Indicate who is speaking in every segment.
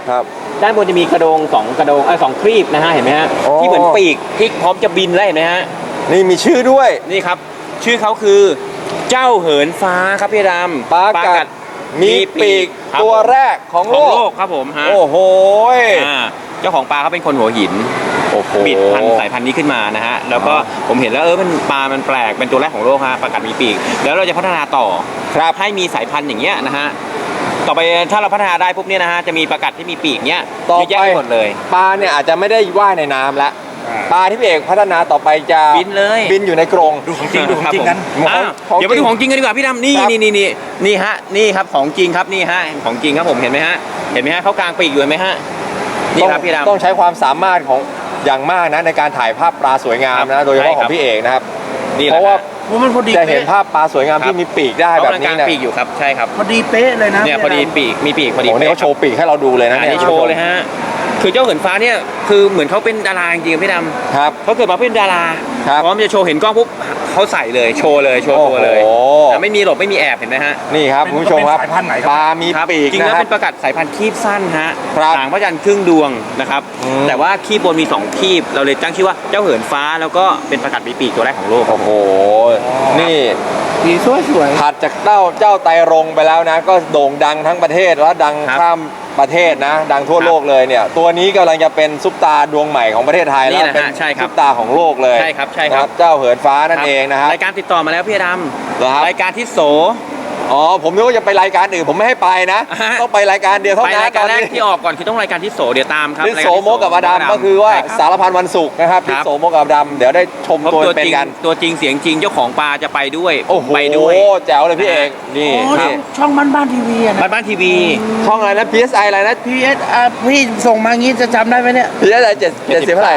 Speaker 1: ครับ
Speaker 2: ด้านบนจะมีกระโดงสองครีบนะฮะเห็นไหมฮะที่เหมือนปีกที่พร้อมจะบินแล้วเห็นไหมฮะ
Speaker 1: นี่มีชื่อด้วย
Speaker 2: นี่ครับชื่อเขาคือเจ้าเหินฟ้าครับพี่ดำ
Speaker 1: ปลากัดมีปีกตัวแรกของโลก
Speaker 2: ครับผมฮะ
Speaker 1: โอ้โห
Speaker 2: เจ้าของปลาเขาเป็นคนหัวหินบิดสายพันธุ์นี้ขึ้นมานะฮะแล้วก็ผมเห็นแล้วมันปลามันแปลกเป็นตัวแรกของโลกฮะปลากัดมีปีกแล้วเราจะพัฒนาต่อ
Speaker 1: ครับ
Speaker 2: ให้มีสายพันธุ์อย่างเงี้ยนะฮะต่อไปถ้าเราพัฒนาได้ปุ๊บเนี่ยนะฮะจะมีปลากัดที่มีปีกเนี้ย
Speaker 1: ต่อไป
Speaker 2: หมดเลย
Speaker 1: ปลาเนี่ยอาจจะไม่ได้ว่ายในน้ำแล้วปลาที่พี่เอกพัฒนาต่อไปจะ
Speaker 2: บินเลย
Speaker 1: บินอยู่ในกรง
Speaker 3: ดูของจริงกัน
Speaker 2: เดี๋ยวมาดูของจริงกันดีกว่าพี่ดำนี่ฮะนี่ครับของจริงครับนี่ฮะของจริงครับผมเห็นไหมฮะเขากลางปีกอยู่ไหมฮะนี่ครับพี่ดำ
Speaker 1: ต้องใช้ความสามารถของอย่างมากนะในการถ่ายภาพปลาสวยงามนะโดยเฉพาะของพี่เอกนะครับเพราะว่าจะเห็นภาพปลาสวยงามที่มีปีกได้แบบนี้นะ
Speaker 2: ปีกอยู่ครับใช่ครับ
Speaker 3: พอดีเป๊ะเลยนะ
Speaker 2: เนี่ยพอดีปีกมีปีกพอดี
Speaker 1: โอ้โหนี่เขาโชว์ปีกให้เราดูเลยนะ
Speaker 2: เนี่ยโชว์เลยฮะคือเจ้าเหินฟ้าเนี่ยคือเหมือนเขาเป็นดาราจริงๆพี่ดำ
Speaker 1: ครับ
Speaker 2: เขาเกิดมาเป็นดาราพร้อมจะโชว์เห็นกล้องปุ๊บเขาใส่เลยโชว์ตัวเลยไม่มีหลบไม่มีแอบเห็นไหมฮะ
Speaker 1: นี่ครับคุณผู้ชมครับปลามีปีก
Speaker 2: จริงแล้วเป็นปลากัดสายพันธุ์คีบสั้นฮะหางพระจันทร์ครึ่งดวงนะครับแต่ว่าคีบบนมี2คีบเราเลยตั้งชื่อว่าเจ้าเหินฟ้าแล้วก็เป็นปลากัดมีปีกตัวแรกของโลก
Speaker 1: โอ้โหนี่
Speaker 3: ดีสวย
Speaker 1: ถัดจากเจ้าไตรรงไปแล้วนะก็โด่งดังทั้งประเทศแล้วดังข้ามประเทศนะดังทั่วโลกเลยเนี่ยตัวนี้กำลังจะเป็นซุปตาดวงใหม่ของประเทศไทยแล้วเป็นซุปตาของโลกเลย
Speaker 2: ใช่ครับ
Speaker 1: เจ้าเหินฟ้านั่นเองนะครับ
Speaker 2: รายการติดต่อมาแล้วพี่ดำรายการที่โส
Speaker 1: ผมนึกว่าจะไปรายการอื่นผมไม่ให้ไปนะต้องไปรายการเดียวเท่านั้น
Speaker 2: รายการแรกที่ออกก่อนคือต้องรายการที่โสเดี๋ยวตามครับ
Speaker 1: ทิศโสโมกับอดัมก็คือว่าสารพันวันศุกร์นะครับทิศโสโมกับอดัมเดี๋ยวได้ชมตัวเป็นกัน
Speaker 2: ตัวจริงเสียงจริงเจ้าของปลาจะไปด้วย
Speaker 1: ไปด้วยแจ๋วเลยพี่เอกนี่
Speaker 3: ช่องบ้านทีวีนะ
Speaker 2: บ้านทีวี
Speaker 1: ช่องอะไรนะ PSI อะไรนะ
Speaker 3: พี่ส่งมางี้จะจำได้ไหมเนี่ย
Speaker 1: PSI 70เท่าไหร่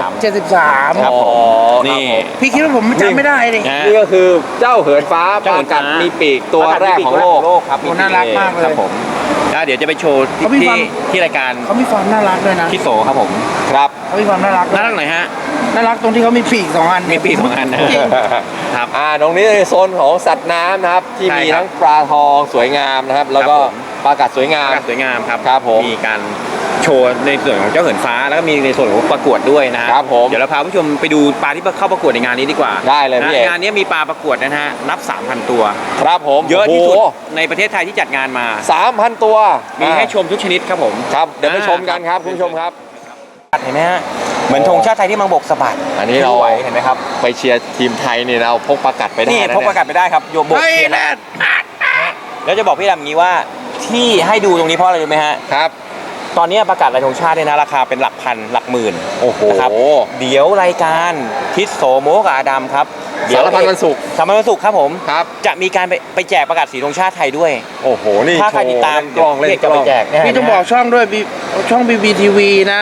Speaker 3: 73
Speaker 1: ครับ
Speaker 2: นี่
Speaker 3: พี่คิดว่าผมจำไม่ได้เลย
Speaker 1: นี่ก็คือเจ้าเหินฟ้าปลากัดมีปีกตัวแรกของโลก
Speaker 2: ครับ
Speaker 3: น่ารักมากเลย
Speaker 2: ครับผมเดี๋ยวจะไปโชว์ที่รายการ
Speaker 3: เขามีความน่ารักด้วยนะ
Speaker 2: ที่โสครับผม
Speaker 1: ครับ
Speaker 3: เขามีความน่ารัก
Speaker 2: หน่อยฮะ
Speaker 3: น่ารักตรงที่เขามีปีก2 อัน
Speaker 2: มีปีก2 อัน
Speaker 1: ครับตรงนี้ในโซนของสัตว์น้ำนะครับที่มีทั้งปลาทองสวยงามนะครับแล้วก็ปลากัดสวยงาม
Speaker 2: ครับผมมีการโชว์ในส่วนของเจ้าเหินฟ้าแล้วก็มีในส่วนของประกวดด้วยนะครับ
Speaker 1: ผม
Speaker 2: เดี๋ยวเราพาผู้ชมไปดูปลาที่เข้าประกวดในงานนี้ดีกว่า
Speaker 1: ได้เลยพี่
Speaker 2: งานนี้มีปลาประกวดนะฮะนับ 3,000 ตัว
Speaker 1: ครับผม
Speaker 2: เยอะที่สุดในประเทศไทยที่จัดงานมา
Speaker 1: 3,000 ตัว
Speaker 2: มีให้ชมทุกชนิดครับผม
Speaker 1: ครับเดี๋ยวไปชมกันครับคุณผู้ชมครับ
Speaker 2: เห็นไหมฮะเหมือนธงชาติไทยที่มังบกสะบัด
Speaker 1: อันนี้เราเห็นไหมครับไปเชียร์ทีมไทยนี่เราพกปลากัดไปได้
Speaker 2: นี่พกปลากัดไปได้ครับโยบกเชียร์แล้วจะบอกพี่ดำอย่างนี้ว่าที่ให้ดูตรงนี้เพราะอะไรรู้ไหมฮะ
Speaker 1: ครับ
Speaker 2: ตอนนี้ประกาศรายธงชาติเนี่ยนะราคาเป็นหลักพันหลักหมื่นนะครับเดี๋ยวรายการทิศโสโมกับอาดัมครับ
Speaker 1: สารพันวันศุกร์
Speaker 2: ครับผม
Speaker 1: ครับ
Speaker 2: จะมีการไปแจกประกาศสีธงชาติไทยด้วย
Speaker 1: โอ้โหนี่
Speaker 2: ถ้าใครติดตาม
Speaker 1: กล้องเล่นกล้อง
Speaker 3: พี่ต้องบอกช่องด้วยช่อง BBTV นะ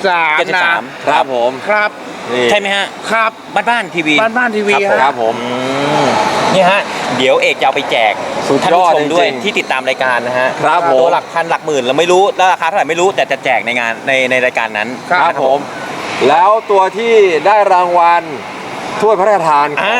Speaker 3: 73
Speaker 1: นะครับผม
Speaker 3: ครับ
Speaker 2: ใช่ไหมฮะ
Speaker 3: ครับ
Speaker 2: บ้านทีวี
Speaker 1: ครับผม
Speaker 2: นี่ฮะเดี๋ยวเอกจะเอาไปแจกท่านผู้ชมด้วยที่ติดตามรายการนะฮะ
Speaker 1: ครับผม
Speaker 2: ตัวหลักพันหลักหมื่นเราไม่รู้แล้วราคาเท่าไหร่ไม่รู้แต่จะแจกในงานในรายการนั้น
Speaker 1: ครับผมแล้วตัวที่ได้รางวัลถ้วยพระราชทาน